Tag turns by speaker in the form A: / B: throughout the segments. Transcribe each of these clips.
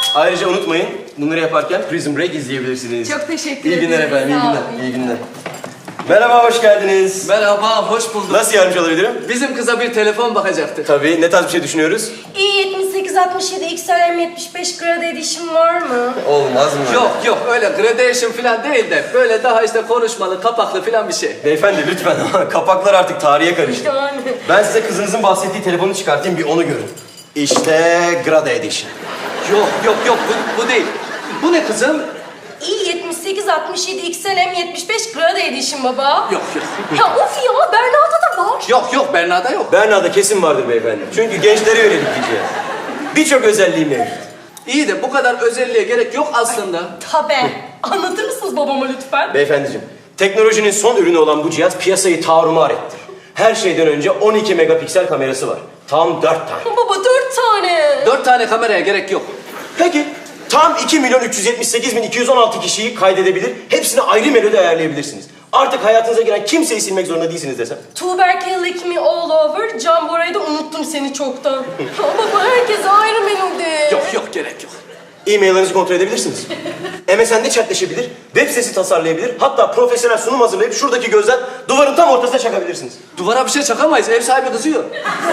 A: Ayrıca unutmayın, bunları yaparken Prison Break izleyebilirsiniz.
B: Çok teşekkür
A: İyi günler
B: ederim.
A: efendim, iyi
B: Sağ
A: günler,
B: olun.
A: iyi günler. Merhaba, hoş geldiniz.
C: Merhaba, hoş bulduk.
A: Nasıl yardımcı olabilirim?
C: Bizim kıza bir telefon bakacaktık.
A: Tabii, ne tarz bir şey düşünüyoruz?
B: i7867 XLM75 Grad Edition var mı?
A: Olmaz mı?
C: Yok, öyle gradation falan değil de böyle daha işte konuşmalı, kapaklı falan bir şey.
A: Beyefendi lütfen, kapaklar artık tarihe karıştı.
B: Yani.
A: Ben size kızınızın bahsettiği telefonu çıkartayım, bir onu görün. İşte Grada Edition.
C: Yok, bu değil. Bu ne kızım?
B: i7867 XLM75 Grad Edition baba.
C: Yok.
B: Ya of ya, Berna'da da var.
C: Yok, Berna'da yok.
A: Berna'da kesin vardır beyefendi. Çünkü gençlere yönelik bir cihaz. Birçok özelliği mevcut.
C: İyi de bu kadar özelliğe gerek yok aslında.
B: Tabii. Anlatır mısınız babama lütfen?
A: Beyefendiciğim, teknolojinin son ürünü olan bu cihaz piyasayı tarumar etti. Her şeyden önce 12 megapiksel kamerası var. Tam 4 tane.
B: Baba 4 tane.
C: 4 tane kameraya gerek yok.
A: Peki, tam 2.378.216 kişiyi kaydedebilir, hepsine ayrı melodi ayarlayabilirsiniz. Artık hayatınıza giren kimseyi silmek zorunda değilsiniz desem.
B: Tuğberk'e Lick Me All Over, Can Bora'yı da unuttum seni çoktan. Ya baba herkese ayrı melodi.
C: Yok, gerek yok.
A: E-maillerinizi kontrol edebilirsiniz. MSN'de chatleşebilir, web sitesi tasarlayabilir, hatta profesyonel sunum hazırlayıp şuradaki gözden duvarın tam ortasına çakabilirsiniz.
C: Duvara bir şey çakamayız, ev sahibi kızıyor.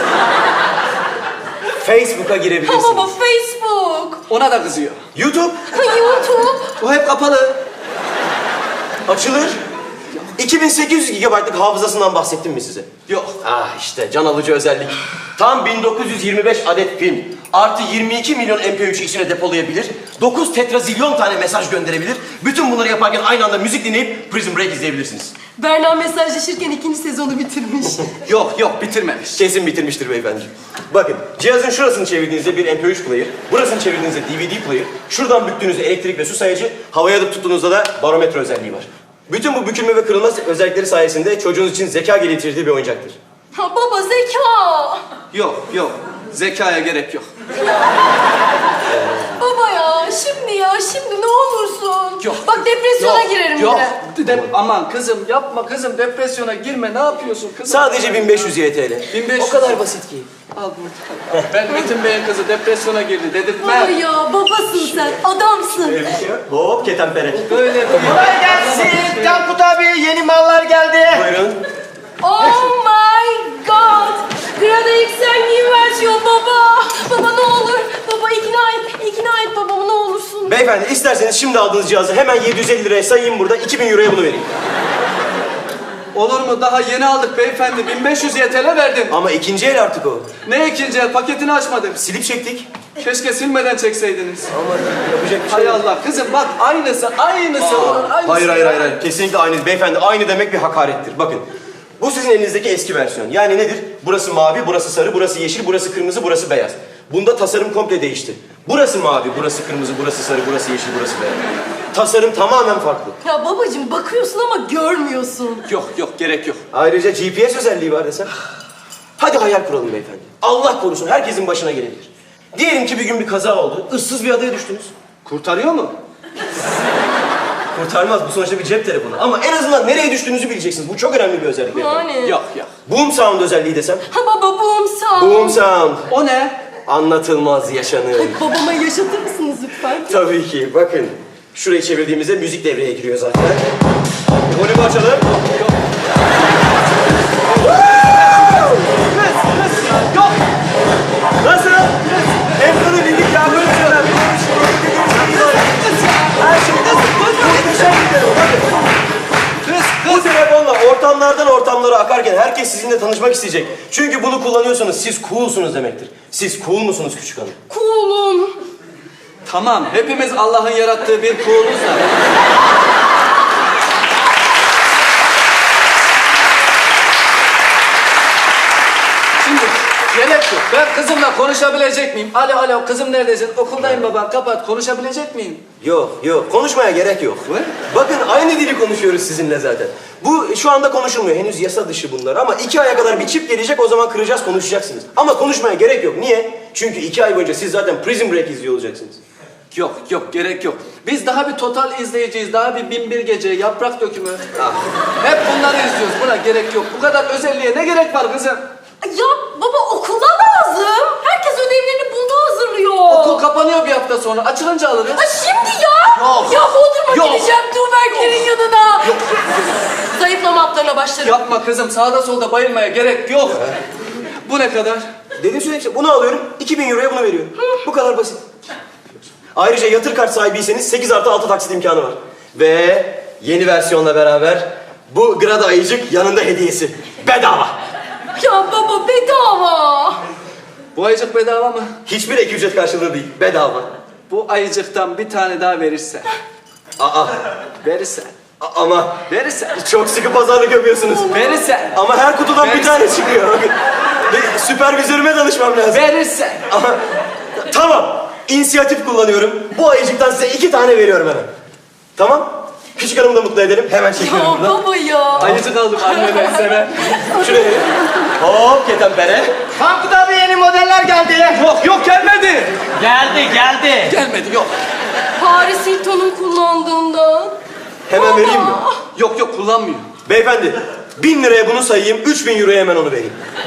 A: Facebook'a
B: Ya
A: girebilirsiniz.
B: baba Facebook.
C: Ona da kızıyor.
A: YouTube
B: YouTube.
C: Bu hep kapalı.
A: açılır. 2800 GB'lık hafızasından bahsettim mi size?
C: Yok.
A: Ah işte can alıcı özellik. Tam 1925 adet film. Artı 22 milyon MP3 içine depolayabilir. 9 tetrazilyon tane mesaj gönderebilir. Bütün bunları yaparken aynı anda müzik dinleyip Prison Break izleyebilirsiniz.
B: Berna mesajlaşırken 2. sezonu bitirmiş.
C: Yok, bitirmemiş.
A: Kesin bitirmiştir beyefendi. Bakın cihazın şurasını çevirdiğinizde bir MP3 player, burasını çevirdiğinizde DVD player, şuradan büktüğünüzde elektrik ve su sayacı, havaya da tuttuğunuzda da barometre özelliği var. Bütün bu bükülme ve kırılma özellikleri sayesinde çocuğunuz için zeka geliştirdiği bir oyuncaktır.
B: Ha baba zeka.
C: Yok. Zekaya gerek yok.
B: Baba ya şimdi ne olursun. Bak depresyona girerim
C: Yok.
B: yine.
C: Aman kızım yapma kızım, depresyona girme, ne yapıyorsun kızım?
A: Sadece 1500 YTL.
C: 1500.
A: O kadar basit ki.
C: Al burada. Ben Metin Bey'in kızı depresyona girdi
B: Baba
C: dedirtme.
B: ya babasın sen adamsın.
A: Hop ketenpere.
C: Böyle bir...
D: Kolay gelsin. Tankut abi yeni mallar geldi.
A: Buyurun.
B: Oh my god. Grada XL new versiyon baba. Baba ne olur. Baba ikna et babamı ne olursun.
A: Beyefendi isterseniz şimdi aldığınız cihazı hemen 750 liraya sayayım burada, 2000 euroya bunu vereyim.
C: Olur mu? Daha yeni aldık beyefendi. 1500 YTL verdim.
A: Ama ikinci el artık o.
C: Ne ikinci el? Paketini açmadım.
A: Silip çektik.
C: Keşke silmeden çekseydiniz.
A: Ama yapacak bir şey
C: Hay
A: yok.
C: Allah kızım bak aynısı. Onun aynısı.
A: Hayır. Kesinlikle aynı. Beyefendi aynı demek bir hakarettir. Bakın. Bu sizin elinizdeki eski versiyon. Yani nedir? Burası mavi, burası sarı, burası yeşil, burası kırmızı, burası beyaz. Bunda tasarım komple değişti. Burası mavi, burası kırmızı, burası sarı, burası yeşil, burası beyaz. Tasarım tamamen farklı.
B: Ya babacığım bakıyorsun ama görmüyorsun.
C: Yok gerek yok.
A: Ayrıca GPS özelliği var desem. Hadi hayal kuralım beyefendi. Allah korusun herkesin başına gelebilir. Diyelim ki bir gün bir kaza oldu. Issız bir adaya düştünüz.
C: Kurtarıyor mu?
A: Kurtarmaz bu sonuçta bir cep telefonu. Ama en azından nereye düştüğünüzü bileceksiniz. Bu çok önemli bir özellik beyefendi.
B: Yani.
C: Yok.
A: Boom sound özelliği desem.
B: Ha baba boom sound.
A: Boom sound.
C: O ne?
A: Anlatılmaz yaşanır.
B: Babama yaşatır mısınız lütfen?
A: Tabii ki. Bakın. Şurayı çevirdiğimizde müzik devreye giriyor zaten. Volümü açalım.
C: Yok.
A: Nasıl? Emre'nin bildik ya böyle şeyler. Her şey muhteşem bir telefon. Bakın. Bu telefonla ortamlardan ortamlara akarken herkes sizinle tanışmak isteyecek. Çünkü bunu kullanıyorsanız siz coolsunuz demektir. Siz cool musunuz küçük hanım?
B: Cool'um.
C: Tamam. Hepimiz Allah'ın yarattığı bir kuluz da. Şimdi gerek yok. Ben kızımla konuşabilecek miyim? Alo kızım neredesin? Okuldayım baba. Kapat. Konuşabilecek miyim?
A: Yok. Konuşmaya gerek yok.
C: Ne?
A: Bakın aynı dili konuşuyoruz sizinle zaten. Bu şu anda konuşulmuyor. Henüz yasa dışı bunlar. Ama 2 aya kadar bir çip gelecek, o zaman kıracağız, konuşacaksınız. Ama konuşmaya gerek yok. Niye? Çünkü 2 ay boyunca siz zaten Prison Break izliyor olacaksınız.
C: Yok gerek yok. Biz daha bir total izleyeceğiz. Daha bir 1001 gece, yaprak dökümü. Hep bunları izliyoruz. Buna gerek yok. Bu kadar özelliğe ne gerek var kızım?
B: Ya baba okulda lazım. Herkes ödevlerini bunda hazırlıyor. duruyor.
C: Okul kapanıyor bir hafta sonra. Açılınca alırız.
B: Ay şimdi ya.
C: Yok.
B: Ya Bodrum'a
C: Yok.
B: gideceğim Tuğberklerin yanına. Zayıflama haplarına başlarım.
C: Yapma kızım. Sağda solda bayılmaya gerek yok. Bu ne kadar?
A: Dedim söyle işte bunu alıyorum 2000 euroya bunu veriyorum. Bu kadar basit. Ayrıca yatır kart sahibiyseniz 8+6 taksit imkanı var. Ve yeni versiyonla beraber bu Grada ayıcık yanında hediyesi. Bedava.
B: Ya baba bedava.
C: Bu ayıcık bedava mı?
A: Hiçbir ek ücret karşılığı değil. Bedava.
C: Bu ayıcıktan bir tane daha verirsen.
A: Aa.
C: Verirsen.
A: Ama
C: Verirsen.
A: çok sıkı pazarlık yapıyorsunuz.
C: Verirsen.
A: Ama her kutudan bir tane çıkıyor. Bakın. Ve süpervizörüme danışmam lazım.
C: Verirsen.
A: Ama tamam. İnisiyatif kullanıyorum. Bu ayıcıktan size 2 tane veriyorum hemen. Tamam? Küçük hanımı da mutlu edelim. Hemen çekiyorum
B: Ya
A: buradan.
B: baba ya.
C: Ayıcık aldım anneden sana.
A: Şuraya. Hop ketempere.
D: Tankut abi yeni modeller geldi.
C: Yok gelmedi.
D: Geldi.
C: Gelmedi yok.
B: Paris Hilton'un kullandığından.
A: Hemen vereyim mi?
C: Yok kullanmıyor.
A: Beyefendi 1000 liraya bunu sayayım. 3000 euroya hemen onu vereyim.